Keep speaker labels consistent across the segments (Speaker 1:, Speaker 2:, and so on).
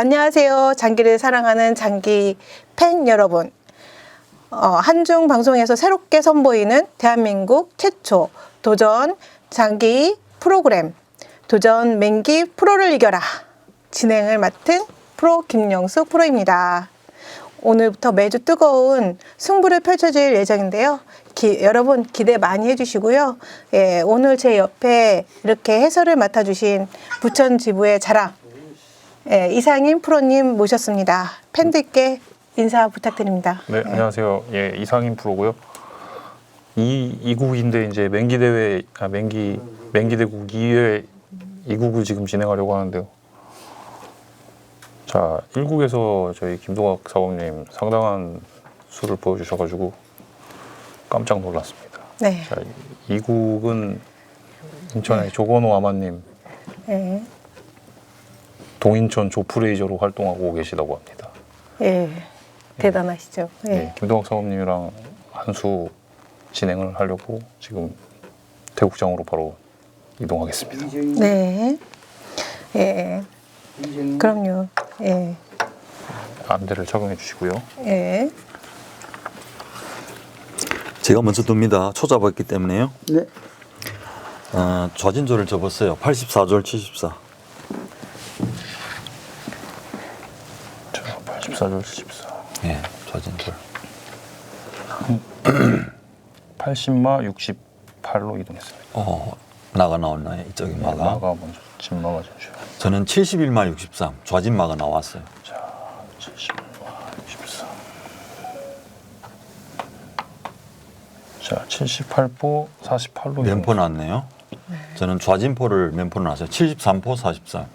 Speaker 1: 안녕하세요. 장기를 사랑하는 장기 팬 여러분. 한중 방송에서 새롭게 선보이는 대한민국 최초 도전 장기 프로그램 도전 맹기 프로를 이겨라 진행을 맡은 프로 김영숙 프로입니다. 오늘부터 매주 뜨거운 승부를 펼쳐질 예정인데요. 여러분 기대 많이 해주시고요. 예, 오늘 제 옆에 이렇게 해설을 맡아주신 부천지부의 자랑 예, 이상인 프로님 모셨습니다. 팬들께 인사 부탁드립니다.
Speaker 2: 네, 안녕하세요. 예, 이상인 프로고요. 이국인데 이제 맹기 대회 맹기 대국 2회 2국을 지금 진행하려고 하는데요. 자, 1국에서 저희 김동학 사범님 상당한 수를 보여주셔가지고 깜짝 놀랐습니다.
Speaker 1: 네.
Speaker 2: 자, 2국은 인천의 조건호 아마님,
Speaker 1: 네.
Speaker 2: 동인천 조프레이저로 활동하고 계시다고 합니다.
Speaker 1: 예, 대단하시죠. 예.
Speaker 2: 네, 김동학 사범님이랑 한 수 진행을 하려고 지금 대국장으로 바로 이동하겠습니다.
Speaker 1: 네. 예. 그럼요. 예.
Speaker 2: 안대를 착용해 주시고요.
Speaker 1: 예.
Speaker 3: 제가 먼저 둡니다. 초잡았기 때문에요.
Speaker 4: 네.
Speaker 3: 좌진조를 접었어요. 84절 74.
Speaker 2: 자, 84절 74.
Speaker 3: 예, 좌진절.
Speaker 2: 80마 68로 이동했습니다.
Speaker 3: 나가 나왔나요? 이쪽에 마가.
Speaker 2: 마가 먼저 진마가 전주요.
Speaker 3: 저는 71마 63. 좌진마가 나왔어요.
Speaker 2: 자, 70마 64. 자, 78포 48로
Speaker 3: 면포 났네요. 저는 좌진포를 면포를 놨어요. 73포 43.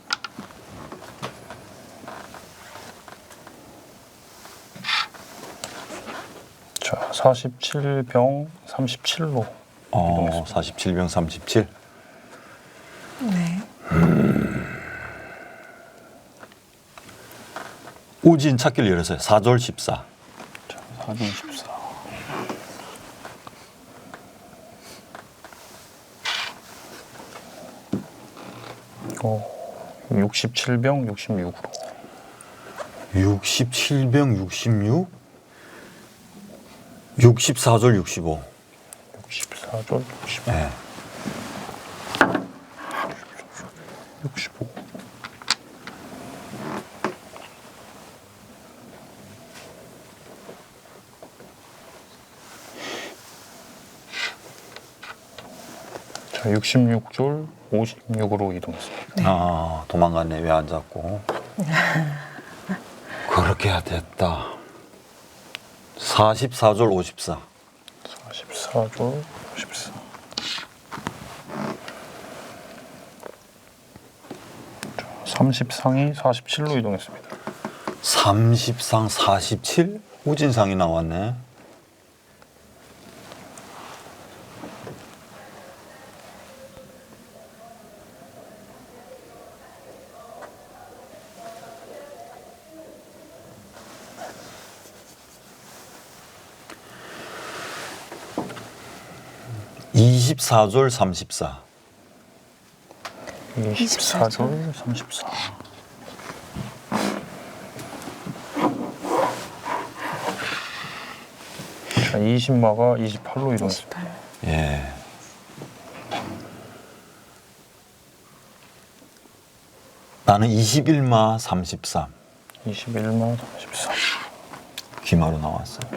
Speaker 2: 자, 47병 37로 이동했습니다.
Speaker 3: 47병 37.
Speaker 1: 네.
Speaker 3: 우진 찾기를 열었어요. 4절 14.
Speaker 2: 자, 4중 14. 이거 67병 66으로.
Speaker 3: 67병 66. 64절 65.
Speaker 2: 64절 65.
Speaker 3: 네.
Speaker 2: 65. 자, 66줄 56으로 이동했습니다.
Speaker 3: 도망갔네. 왜 안 잡고. 그렇게 해야 됐다. 44절 54.
Speaker 2: 44줄 54. 자, 30상이 47로 이동했습니다.
Speaker 3: 30상 47? 우진상이 나왔네. (24절 34)
Speaker 2: 24줄 34. 자, 20마가 28로 이동했습니다.
Speaker 1: 28.
Speaker 3: 예. 나는 21마 33.
Speaker 2: 21마 33.
Speaker 3: 귀마로 나왔어요.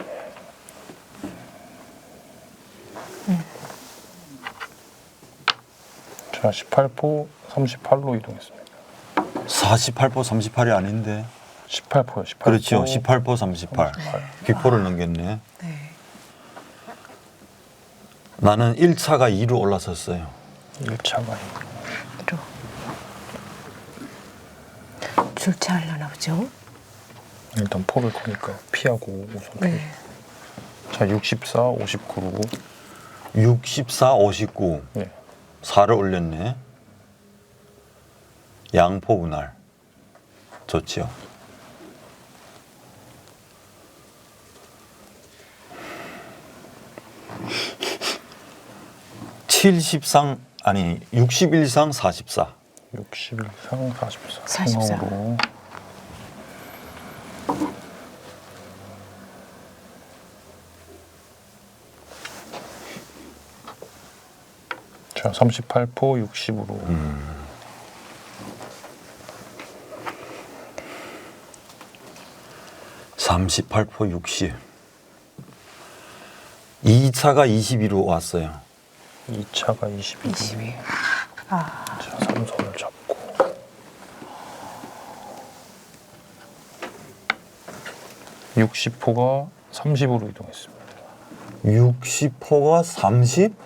Speaker 2: 자, 18포 38로 이동했습니다.
Speaker 3: 48포 38이 아닌데.
Speaker 2: 18포요. 18포.
Speaker 3: 그렇죠. 18포 38. 귀포를 넘겼네.
Speaker 1: 네.
Speaker 3: 나는 1차가 2로 올라섰어요.
Speaker 2: 1차가
Speaker 1: 또 줄차하려나 보죠.
Speaker 2: 일단 포를 거니까 피하고 우선 피.
Speaker 1: 네.
Speaker 2: 자, 64 59로
Speaker 3: 64, 59.
Speaker 2: 네.
Speaker 3: 4를 올렸네. 양포 분할. 좋지요. 70상 아니 61상 44.
Speaker 2: 61상 44.
Speaker 1: 44.
Speaker 2: 상으로 자, 38포 60으로.
Speaker 3: 38포 60. 2차가 22로 왔어요.
Speaker 2: 2차가 22.
Speaker 1: 22. 아,
Speaker 2: 자, 삼선을 잡고. 60포가 30으로 이동했습니다.
Speaker 3: 60포가 30?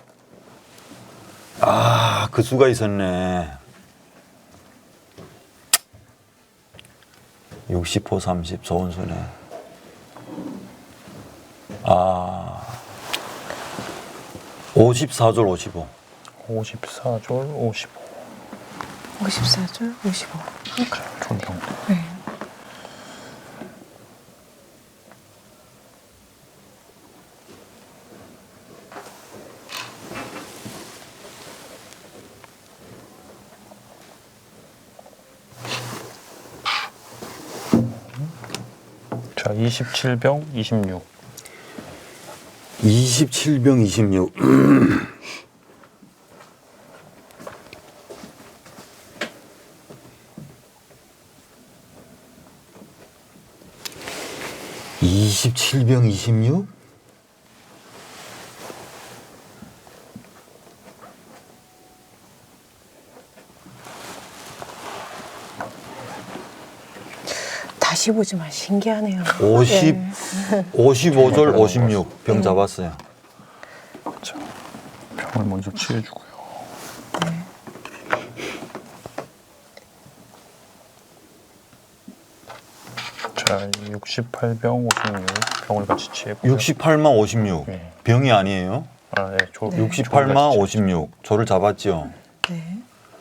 Speaker 3: 아, 그 수가 있었네. 60포 30, 좋은 수네. 아, 54절 55.
Speaker 2: 54졸 55.
Speaker 1: 54줄 55.
Speaker 2: 자, 존경.
Speaker 1: 네.
Speaker 2: 자, 27병 26.
Speaker 3: 27병 26. (27병 26)
Speaker 1: 다시 보지만 신기하네요.
Speaker 3: 50,
Speaker 1: 예.
Speaker 3: 55절 56 병 잡았어요.
Speaker 2: 자, 병을 먼저 치해주고요.
Speaker 1: 네.
Speaker 2: 자, 68병 56 병을 같이 치했고.
Speaker 3: 68마 56
Speaker 2: 네.
Speaker 3: 병이 아니에요.
Speaker 2: 아, 네. 조,
Speaker 1: 네.
Speaker 3: 68마 56 조를 잡았죠.
Speaker 1: 네.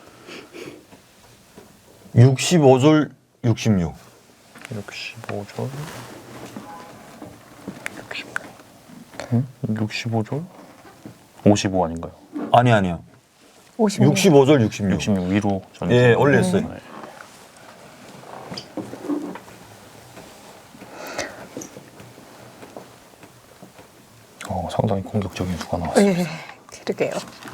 Speaker 3: 65절 66
Speaker 2: 65졸 65졸 55 아닌가요?
Speaker 3: 아니요.
Speaker 1: 56.
Speaker 3: 65절 66
Speaker 2: 66 위로 전체.
Speaker 3: 예, 올렸어요.
Speaker 2: 네. 상당히 공격적인 수가 나왔습니다.
Speaker 1: 예. 그러게요.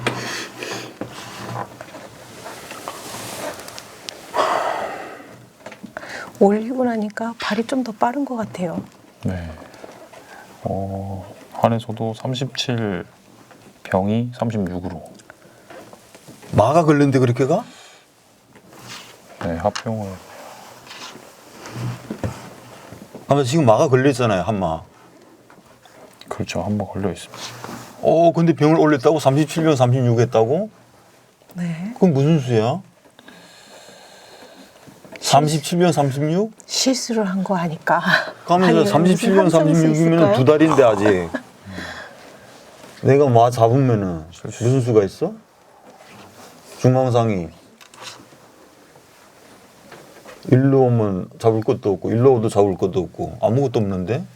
Speaker 1: 올리고 나니까 발이 좀 더 빠른 것 같아요.
Speaker 2: 네. 한에서도 37 병이 36으로.
Speaker 3: 마가 걸렸는데 그렇게 가?
Speaker 2: 네, 합병을.
Speaker 3: 아마 지금 마가 걸렸잖아요. 한마.
Speaker 2: 그렇죠. 한 번 걸려 있습니다.
Speaker 3: 근데 병을 올렸다고? 37병 36 했다고?
Speaker 1: 네.
Speaker 3: 그건 무슨 수야? 37병 36?
Speaker 1: 실수를 한 거 아닐까?
Speaker 3: 가면서
Speaker 1: 아니면
Speaker 3: 37병
Speaker 1: 무슨 함정이
Speaker 3: 36이면
Speaker 1: 있을까요?
Speaker 3: 두 달인데 아직. 내가 마 잡으면은 무슨 수가 있어? 중앙상이. 일로 오면 잡을 것도 없고 일로 오도 잡을 것도 없고 아무것도 없는데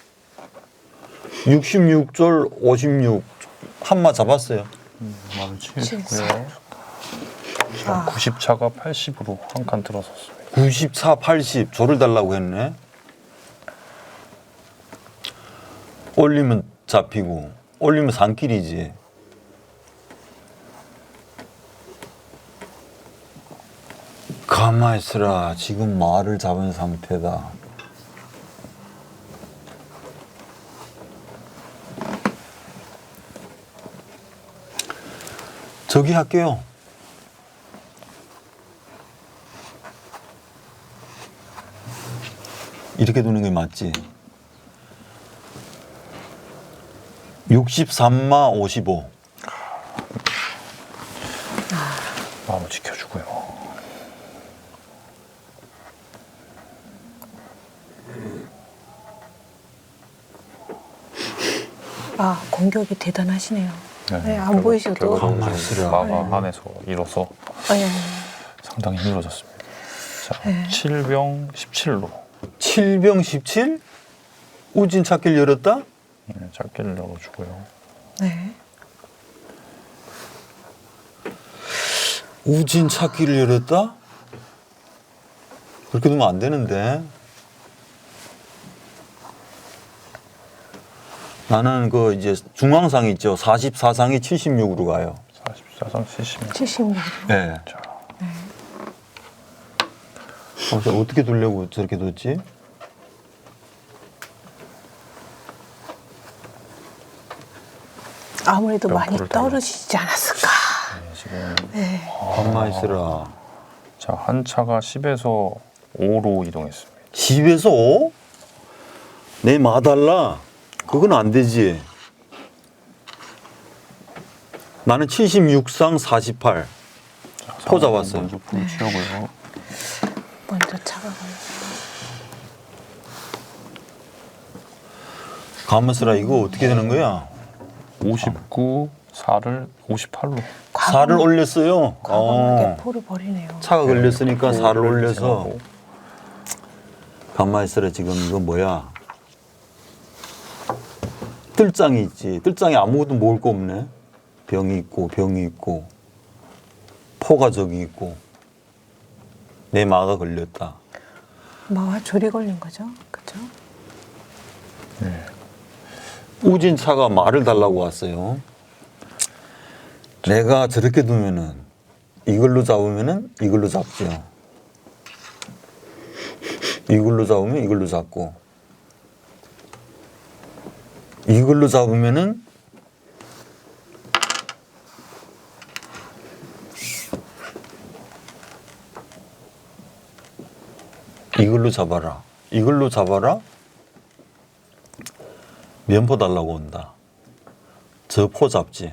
Speaker 3: 66절 56 한마 잡았어요.
Speaker 2: 말을 치해주고요.
Speaker 1: 아.
Speaker 2: 90차가 80으로 한 칸 들어섰습니다.
Speaker 3: 94, 80 조를 달라고 했네. 올리면 잡히고 올리면 산길이지. 가만히 있으라. 지금 말을 잡은 상태다. 저기 할게요. 이렇게 두는 게 맞지? 63마 55.
Speaker 2: 마음을 지켜주고요.
Speaker 1: 아, 공격이 대단하시네요. 네, 안
Speaker 2: 결과-
Speaker 1: 보이셔도.
Speaker 2: 결과적으로
Speaker 3: 가만히 있으라.
Speaker 2: 마가 안에서 일어서
Speaker 1: 아니,
Speaker 2: 상당히 힘들어졌습니다. 자,
Speaker 1: 네.
Speaker 2: 7병 17로
Speaker 3: 7병 17? 우진 찾기를 열었다?
Speaker 2: 짧게를 열어주고요.
Speaker 1: 네.
Speaker 3: 우진 찾기를 열었다? 그렇게 두면 안 되는데. 나는 그 이제 중앙상이 있죠. 44상이 76으로 가요.
Speaker 2: 40 14상 70.
Speaker 1: 76.
Speaker 3: 네.
Speaker 2: 자,
Speaker 3: 어떻게 두려고 저렇게 뒀지?
Speaker 1: 아무래도 많이
Speaker 2: 벽돌을 달라.
Speaker 1: 떨어지지 않았을까.
Speaker 2: 네, 지금
Speaker 1: 네.
Speaker 3: 가만히 있어라.
Speaker 2: 자, 한 차가 10에서 5로 이동했습니다.
Speaker 3: 10에서 5? 내 마달라. 그건 안 되지. 나는 76상 48.
Speaker 2: 자,
Speaker 3: 포 잡았어요.
Speaker 2: 먼저 포를 치우고요.
Speaker 1: 먼저 차가 걸려.
Speaker 3: 가만있어라. 이거 어떻게 되는 거야?
Speaker 2: 59, 4를 58로.
Speaker 3: 4를 올렸어요.
Speaker 1: 과감하게 포를 버리네요.
Speaker 3: 차가 걸렸으니까 4를 올려서.
Speaker 2: 지나고.
Speaker 3: 가만히 있어라. 지금 이거 뭐야? 뜰장이 있지. 뜰장에 아무것도 먹을 거 없네. 병이 있고 병이 있고 포가 저기 있고 내 마가 걸렸다.
Speaker 1: 마와 조리 걸린 거죠, 그죠?
Speaker 3: 우진차가 말을 달라고 왔어요. 내가 저렇게 두면은 이걸로 잡으면은 이걸로 잡죠. 이걸로 잡으면 이걸로 잡고 이걸로 잡으면은 이걸로 잡아라. 이걸로 잡아라. 면포 달라고 온다. 저 포 잡지.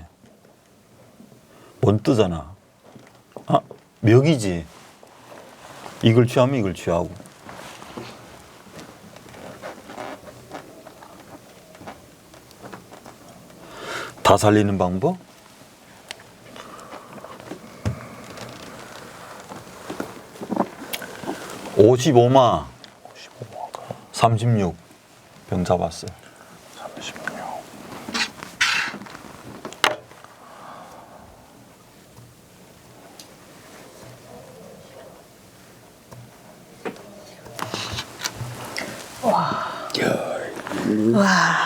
Speaker 3: 원 뜨잖아. 아, 멱이지. 이걸 취하면 이걸 취하고. 다 살리는 방법? (55마)
Speaker 2: 55마가
Speaker 3: 36 병 잡았어요.
Speaker 2: 36.
Speaker 1: 와,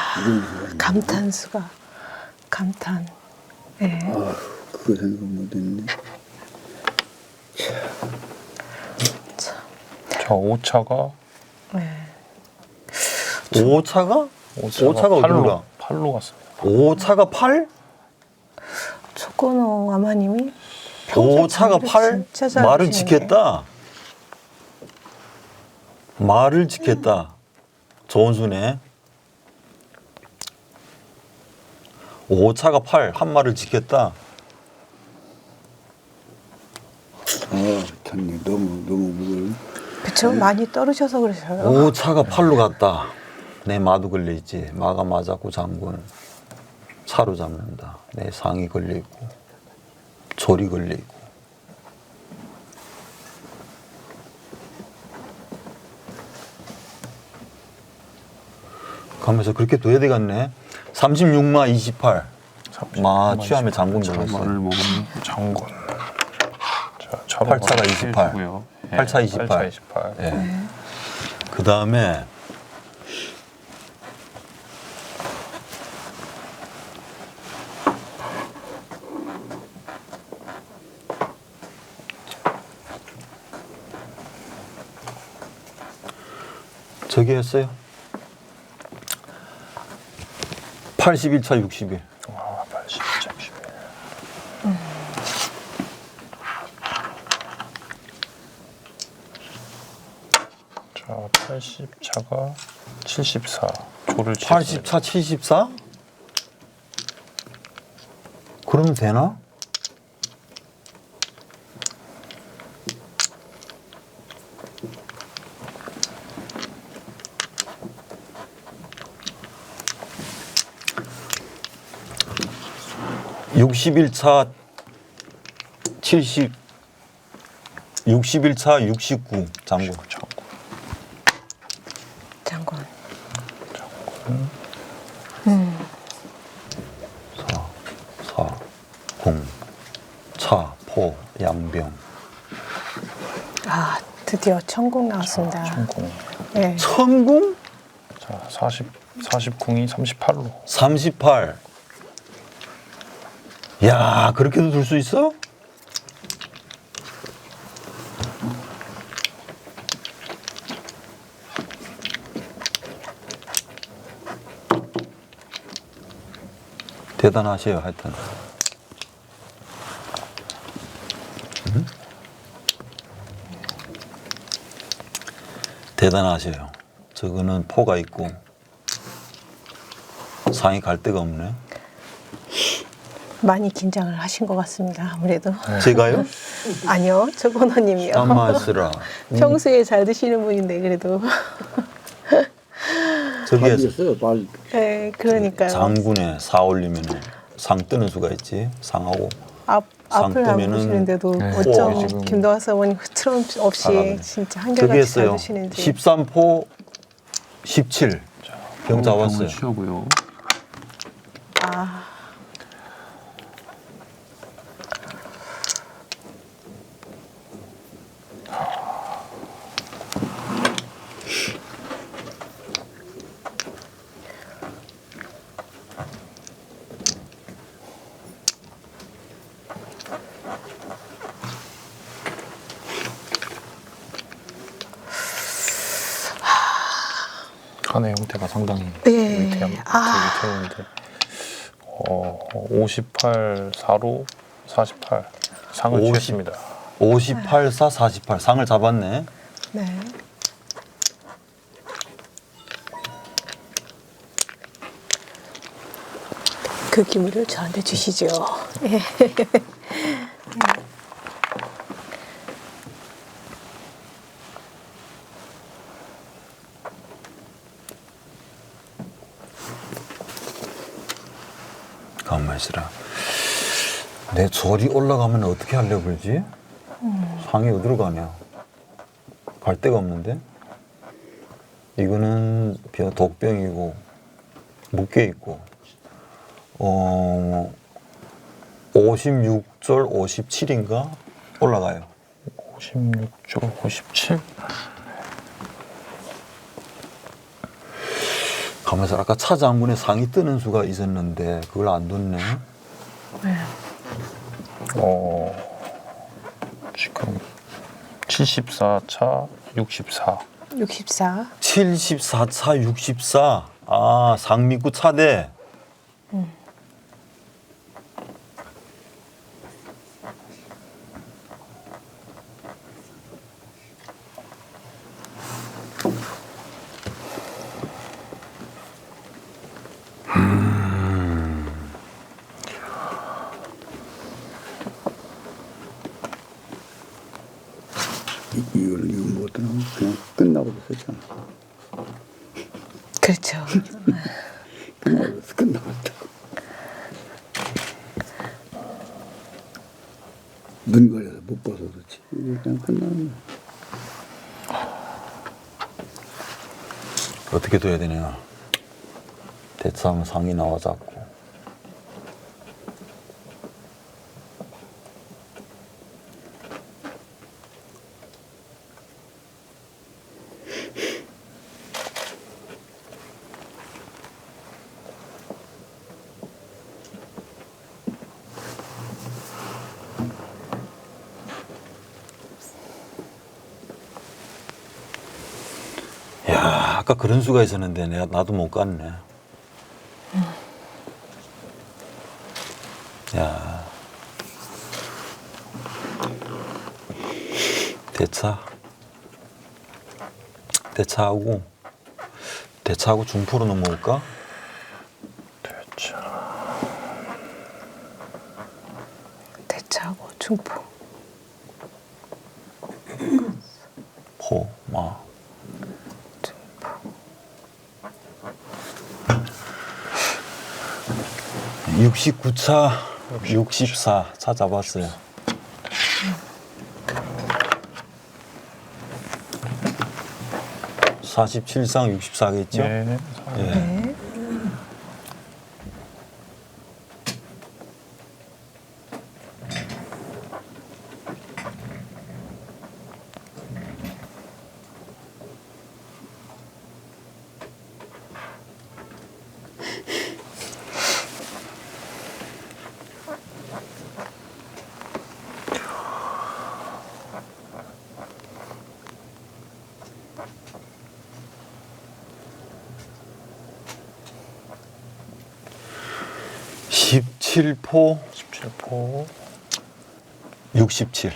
Speaker 1: 감탄수가 감탄. 네.
Speaker 4: 그거 생각 못했네.
Speaker 1: 참.
Speaker 2: 자, 5차가
Speaker 1: 네.
Speaker 3: 5차가? 5차가 어디로 가?
Speaker 2: 8로 갔습니다.
Speaker 3: 5차가 8?
Speaker 1: 초코노 아마님이 평소에
Speaker 3: 5차가
Speaker 1: 장비를
Speaker 3: 8?
Speaker 1: 진짜 잘
Speaker 3: 말을
Speaker 1: 하시는데.
Speaker 3: 지켰다. 말을 지켰다. 좋은 수네. 5차가 8, 한 말을 지켰다.
Speaker 4: 아, 참 너무 무거워.
Speaker 1: 그쵸? 많이 떨으셔서 그러셔요.
Speaker 3: 5차가 8로 갔다. 내 마도 걸려있지. 마가 맞았고 장군. 차로 잡는다. 내 상이 걸려있고 조리 걸려있고. 가면서 그렇게 둬야 되겠네. 36마 28. 마 취하면 장군
Speaker 2: 말을
Speaker 3: 걸렸어요.
Speaker 2: 먹으면 장군. 자, 차로
Speaker 3: 8차가 28.
Speaker 2: 고요.
Speaker 3: 8차 28.
Speaker 2: 8차 28.
Speaker 3: 예. 그 다음에 저기 했어요. 81차 60일.
Speaker 2: 와, 80, 31. 자, 80차가 74. 조를 치웠습니다.
Speaker 3: 80차 74? 그러면 되나? (61차) 70 61차 69 장군.
Speaker 1: 장군.
Speaker 3: 4, 0, 차, 포, 양병.
Speaker 1: 아, 드디어 천공 나왔습니다.
Speaker 2: 천궁.
Speaker 1: 네.
Speaker 3: 천궁?
Speaker 2: 자, 40궁이 38로.
Speaker 3: 38. 야, 그렇게도 둘 수 있어? 대단하세요, 하여튼. 대단하세요. 저거는 포가 있고 상이 갈 데가 없네.
Speaker 1: 많이 긴장을 하신 것 같습니다. 아무래도.
Speaker 3: 제가요?
Speaker 1: 아니요, 조건호님이요.
Speaker 3: 땀마스라.
Speaker 1: 평소에 잘 드시는 분인데 그래도.
Speaker 3: 저기에
Speaker 4: 빨리였어요, 빨리.
Speaker 1: 네, 그러니까요.
Speaker 3: 장군에 사 올리면 상 뜨는 수가 있지. 상하고 상
Speaker 1: 앞을 안
Speaker 3: 뜨면은-
Speaker 1: 보시는데도
Speaker 2: 네.
Speaker 1: 어쩜
Speaker 2: 우와, 지금.
Speaker 1: 김동학 사모님 흐트럼 없이
Speaker 3: 잘하네.
Speaker 1: 진짜
Speaker 3: 저기
Speaker 1: 한결같이 잘
Speaker 3: 했어요.
Speaker 1: 드시는지.
Speaker 3: 13포 17. 병 잡았어요.
Speaker 2: 취하고요.
Speaker 1: 아,
Speaker 2: 간의 형태가 상당히
Speaker 1: 예.
Speaker 2: 위태한데 58, 4로 48 상을
Speaker 3: 50.
Speaker 2: 취했습니다.
Speaker 3: 58, 4, 48. 상을 잡았네.
Speaker 1: 네. 그 기물을 저한테 주시죠. 예.
Speaker 3: 가만히 있으라. 내 절이 올라가면 어떻게 하려고 그러지? 상이 어디로 가냐? 갈 데가 없는데? 이거는 독병이고 묶여 있고 56절 57인가 올라가요.
Speaker 2: 56조 57.
Speaker 3: 가만있어. 아까 차 장군의 상이 뜨는 수가 있었는데 그걸 안 뒀네.
Speaker 2: 지금 74차 64.
Speaker 1: 64.
Speaker 3: 74차 64. 아, 상민구 차대.
Speaker 4: 이걸 못하면 그냥 끝나버렸었잖아.
Speaker 1: 그렇죠.
Speaker 4: 끝나버렸다고. 눈 가려서 못 봐서 그렇지. 그냥 끝나는 거야.
Speaker 3: 어떻게 둬야 되냐. 대차하면 상이 나와 자꾸. 야, 아까 그런 수가 있었는데 나도 못 갔네. 야, 대차하고 중포로 넘어올까?
Speaker 1: 대차하고 중포.
Speaker 3: 포, 마. 69차 64 차 잡았어요. (47상 64겠죠)
Speaker 2: 네.
Speaker 3: 예.
Speaker 1: 네.
Speaker 3: 17포
Speaker 2: 17포
Speaker 3: 67.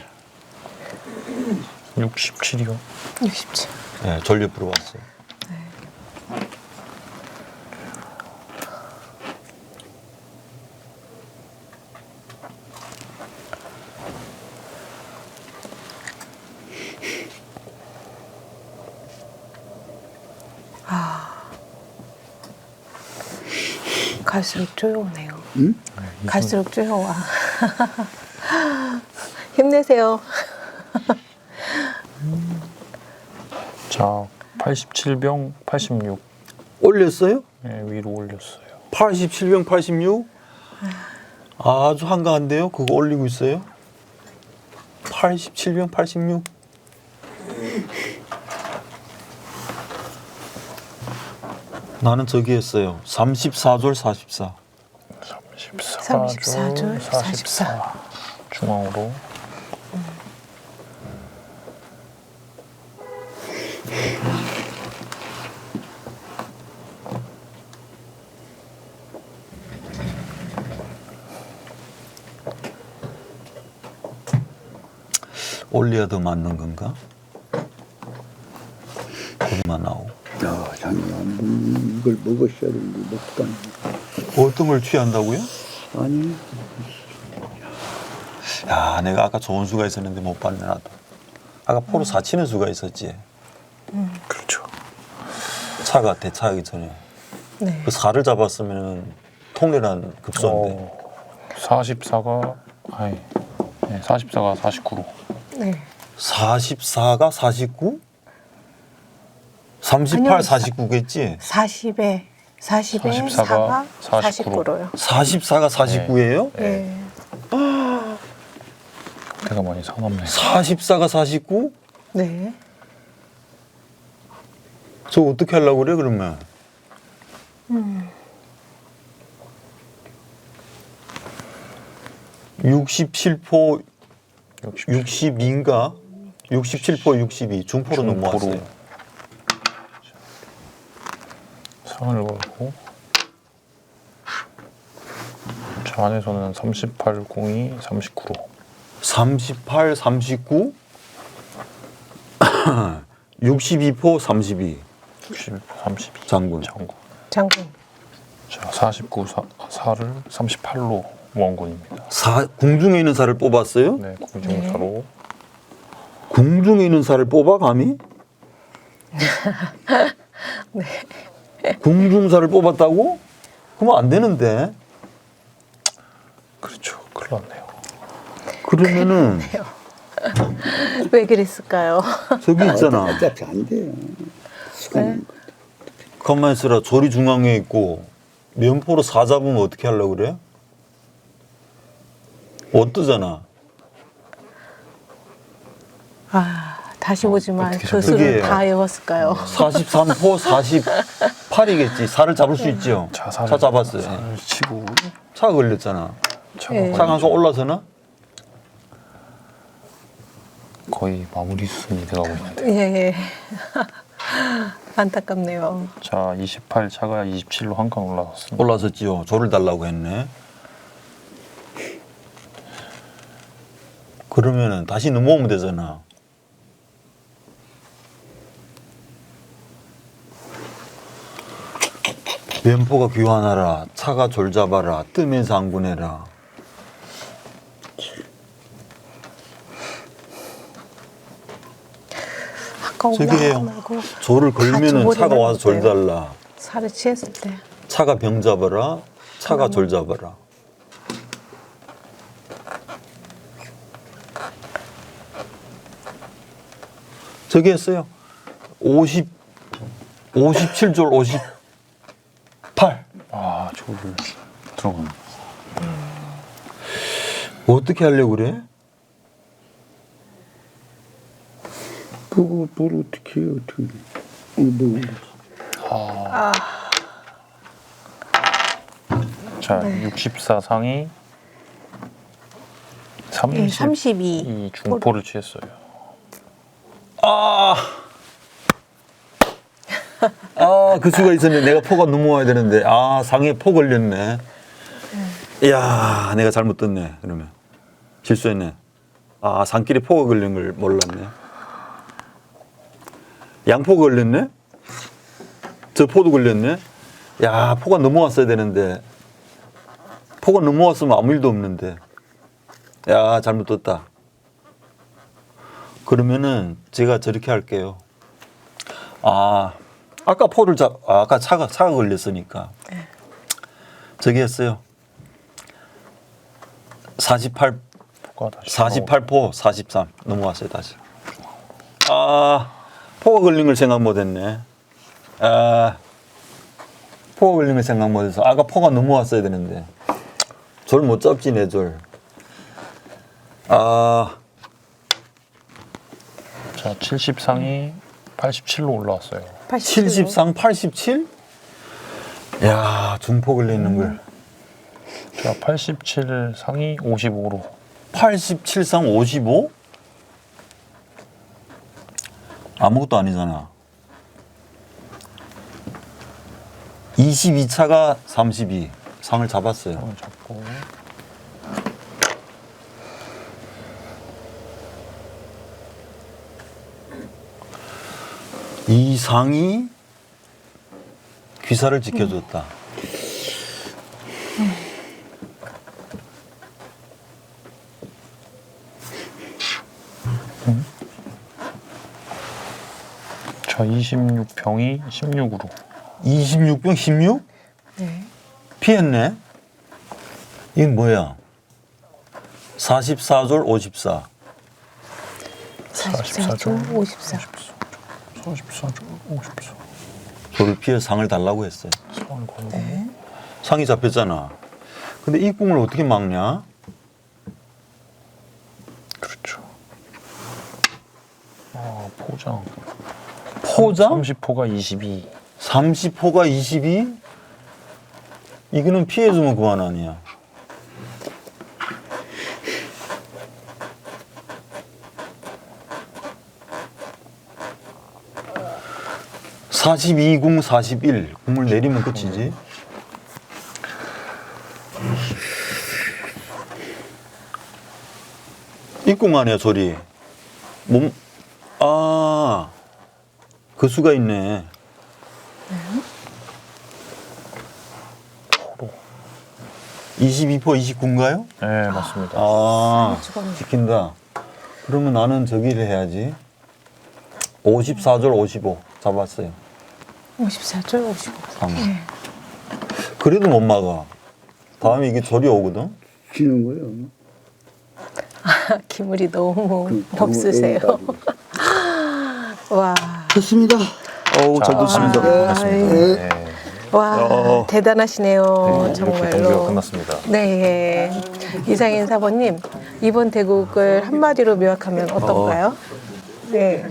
Speaker 2: 67이요.
Speaker 1: 67.
Speaker 3: 네, 전력 들어왔어요.
Speaker 1: 갈수록 조여오네요.
Speaker 4: 응?
Speaker 1: 갈수록 조여와. 힘내세요.
Speaker 2: 자, 87병 86.
Speaker 3: 올렸어요?
Speaker 2: 네, 위로 올렸어요.
Speaker 3: 87병 86? 아주 한가한데요? 그거 올리고 있어요? 87병 86? 나는 저기 했어요. 34졸 44.
Speaker 2: 34줄 44. 중앙으로.
Speaker 3: 올려야 더 맞는 건가? 고기만 나오고.
Speaker 4: 야, 장님, 이걸 먹으셔야 되는데 먹도 안 해.
Speaker 3: 어떤 걸 취한다고요?
Speaker 4: 아니,
Speaker 3: 야, 내가 아까 좋은 수가 있었는데 못 봤네, 나도. 아까 포로 사치는 수가 있었지.
Speaker 2: 그렇죠.
Speaker 3: 차가 대차하기 전에.
Speaker 1: 네.
Speaker 3: 그 4를 잡았으면 통렬한 급소인데.
Speaker 2: 44가 아니. 네, 44가 49로.
Speaker 1: 네.
Speaker 3: 44가 49? 38,
Speaker 1: 아니요,
Speaker 3: 49겠지?
Speaker 1: 40에
Speaker 2: 44가
Speaker 1: 4가 49로요.
Speaker 3: 44가 49예요?
Speaker 1: 네.
Speaker 2: 내가 많이 사납네.
Speaker 3: 44가 49?
Speaker 1: 네.
Speaker 3: 저 어떻게 하려고 그래, 그러면? 67포 62인가? 67포 62 중포로 넘어왔어요.
Speaker 2: 상을 걸고 저 안에서는 38, 02, 39로
Speaker 3: 38, 39 62포 32
Speaker 2: 61, 32
Speaker 3: 장군.
Speaker 1: 장군.
Speaker 2: 자, 49, 4를 38로 원군입니다.
Speaker 3: 궁중에 있는 살을 뽑았어요?
Speaker 2: 네, 공중사로
Speaker 3: 궁중에 있는 살을 뽑아 감히?
Speaker 1: 네.
Speaker 3: 궁중살을 뽑았다고? 그러면 안 되는데.
Speaker 2: 그렇죠. 큰일 났네요.
Speaker 3: 그러면은
Speaker 1: 왜 그랬을까요?
Speaker 3: 저기 있잖아.
Speaker 4: 어차피 안 돼요.
Speaker 1: 네.
Speaker 3: 가만히 있어라. 조리 중앙에 있고 면포로 4 잡으면 어떻게 하려고 그래? 어떠잖아.
Speaker 1: 아, 다시 보지만
Speaker 2: 어떻게
Speaker 1: 그
Speaker 3: 저기예요.
Speaker 1: 수를 다 외웠을까요?
Speaker 3: 43포 48이겠지. 4를 잡을 수 있죠.
Speaker 2: 자,
Speaker 3: 차 잡았어요.
Speaker 2: 살을 치고
Speaker 3: 차가 걸렸잖아.
Speaker 2: 차가
Speaker 1: 네.
Speaker 3: 차가 한칸 올라서나?
Speaker 2: 거의 마무리 수순이 돼가고 있는데.
Speaker 1: 예. 안타깝네요.
Speaker 2: 자, 28 차가 27로 한 칸 올라섰습니다.
Speaker 3: 올라섰지요. 조를 달라고 했네. 그러면은 다시 넘어오면 되잖아. 면포가 귀환하라. 차가 졸 잡아라. 뜨면서 안군해라.
Speaker 1: 아까
Speaker 3: 저기
Speaker 1: 올라가지
Speaker 3: 해요.
Speaker 1: 말고
Speaker 3: 조를 걸면은
Speaker 1: 같이
Speaker 3: 차가 와서 졸
Speaker 1: 버리면
Speaker 3: 달라.
Speaker 1: 살을 취했을 때.
Speaker 3: 차가 병 잡아라. 차가 졸 잡아라. 저기 했어요. 57졸 58.
Speaker 2: 아, 저를 들어가네.
Speaker 3: 어떻게 하려고 그래?
Speaker 4: 그거 뭘 어떻게 해요, 어떻게. 뭐,
Speaker 2: 자, 64 상이 32
Speaker 1: 32.
Speaker 2: 중포를 취했어요.
Speaker 3: 그 수가 있었는데 내가 포가 넘어와야 되는데 상에 포 걸렸네. 이야, 내가 잘못 떴네. 그러면 실수했네. 아, 산길에 포가 걸린 걸 몰랐네. 양포가 걸렸네. 저 포도 걸렸네. 야, 포가 넘어왔어야 되는데. 포가 넘어왔으면 아무 일도 없는데. 야, 잘못 떴다. 그러면은 제가 저렇게 할게요. 아, 아까 포를 아까 차가 걸렸으니까 저기 했어요. 48
Speaker 2: 포가 다시
Speaker 3: 48포 43 넘어왔어요 다시. 아, 포가 걸린 걸 생각 못했네. 아, 포가 걸린 걸 생각 못해서 아까 포가 넘어왔어야 되는데 졸 못 잡지 내 졸. 아,
Speaker 2: 자, 70상이 87로 올라왔어요.
Speaker 3: 70상 87? 야, 중포 걸리는 걸.
Speaker 2: 자, 87상이 55로.
Speaker 3: 87상 55? 아무것도 아니잖아. 22차가 32. 상을 잡았어요.
Speaker 2: 상을 잡고.
Speaker 3: 이 상이 귀사를 지켜줬다.
Speaker 2: 자, 26병이 16으로.
Speaker 3: 26병 16?
Speaker 1: 네.
Speaker 3: 피했네. 이건 뭐야? 44졸 54.
Speaker 1: 44조 54.
Speaker 2: 44조 54.
Speaker 3: 졸을 피해 상을 달라고 했어요.
Speaker 2: 상을 걸고.
Speaker 1: 네.
Speaker 3: 상이 잡혔잖아. 근데 이 궁을 어떻게 막냐?
Speaker 2: 그렇죠. 아, 포장.
Speaker 3: 포장?
Speaker 2: 30포가 22.
Speaker 3: 30호가 22? 이거는 피해주면 그만 아니야. (42궁) (41) 궁을 내리면 끝이지. 입궁 아니야 조리. 몸, 아, 그 수가 있네.
Speaker 2: 포로.
Speaker 3: 22포 29인가요?
Speaker 2: 네, 맞습니다.
Speaker 3: 아,
Speaker 1: 죽었네.
Speaker 3: 지킨다. 그러면 나는 저기를 해야지. 54절 55 잡았어요.
Speaker 1: 54조 55.
Speaker 3: 상. 그래도 못 막아. 다음에 이게 절이 오거든.
Speaker 4: 쉬는 거예요.
Speaker 1: 기물이 너무
Speaker 4: 그
Speaker 1: 없으세요. 와,
Speaker 4: 됐습니다.
Speaker 3: 어우, 잘 됐습니다.
Speaker 2: 반갑습니다. 네.
Speaker 1: 와 대단하시네요.
Speaker 2: 이렇게
Speaker 1: 정말로.
Speaker 2: 경기가 끝났습니다.
Speaker 1: 네, 이상인 사모님 이번 대국을 한마디로 묘약하면 어떤가요? 네,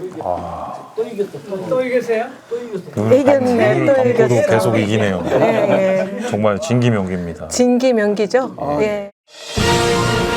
Speaker 5: 또 이겼어요?
Speaker 1: 이겼네, 또
Speaker 2: 감고도
Speaker 1: 이겼어.
Speaker 2: 계속 이기네요.
Speaker 1: 네,
Speaker 2: 정말 진기명기입니다.
Speaker 1: 진기명기죠. 예.